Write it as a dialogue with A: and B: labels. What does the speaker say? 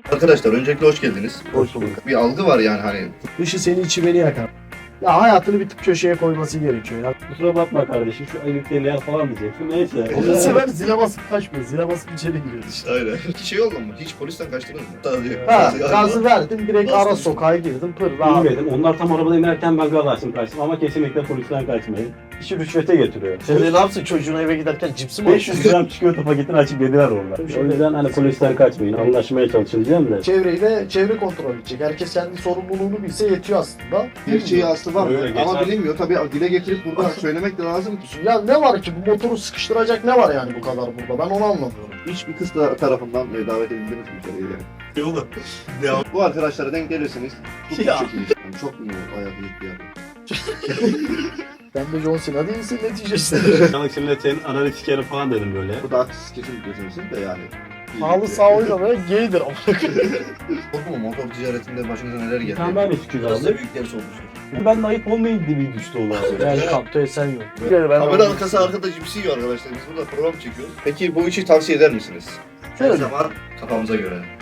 A: Arkadaşlar öncelikle hoş geldiniz.
B: Hoş bulduk.
A: Bir algı var yani hani.
C: Dışı seni içi beni yakar. Ya hayatını bir tık köşeye koyması gerekiyor ya.
B: Kusura bakma kardeşim şu ayıpteliğe falan diyecektim. Neyse.
C: Bu sefer zile basıp kaçmıyor. Zile basıp içeri giriyor işte.
A: Aynen. Hiç şey oldu mu? Hiç polisten kaçtınız mı? Tabii.
C: Ha, gazı verdim direkt
A: Bastın.
C: ara sokağa girdim pır rahat.
B: Bilmedim. Onlar tam arabada inerken ben gaz açtım kaçtım ama kesinlikle polisten kaçmayın. İşi rüşvete getiriyor.
C: Sen de ne yapsın çocuğuna eve giderken cipsi mi
B: 500 gram çikolata paketini açıp yediler orada. O yüzden hani polisten kaçmayın. Anlaşmaya çalışın diyeceğim de.
C: Çevreyi de çevre kontrol edecek. Herkes kendi sorumluluğunu bilse yetiyor aslında.
D: Gerçeği aslı var
B: Öyle
D: ama
B: geçer.
D: bilinmiyor. Tabii dile getirip burada söylemek de lazım ki.
C: Ya ne var ki bu motoru sıkıştıracak ne var yani bu kadar burada ben onu anlamıyorum.
D: Hiçbir kız tarafından davet edildiniz mi içeriye yani?
A: Yolu. Devam.
D: Bu arkadaşlara denk gelirseniz çok
A: Ya.
D: çok iyi. Yani çok mu hayatı gitti yani?
C: Ben de John Cena değilsin neticesinde.
B: Yanık şimdi senin ananı sikerim falan dedim böyle.
D: Bu da haksız kesinlikle sensin de yani.
C: Halı sağ oynamaya gaydir ama.
A: Korkma motor ticaretinde başınıza neler geldi.
B: Sen ben de sikiyordum
A: Biraz da
B: abi.
A: büyükleri olmuştur.
B: Ben de ayıp olmayın diye bir düştü oldu abi.
C: Yani kapta esen yok. Ben
A: Kamera arkası arkada cipsi yiyor arkadaşlar. Biz burada program çekiyoruz. Peki bu işi tavsiye eder misiniz? Her
C: Şöyle
A: zaman kafamıza göre.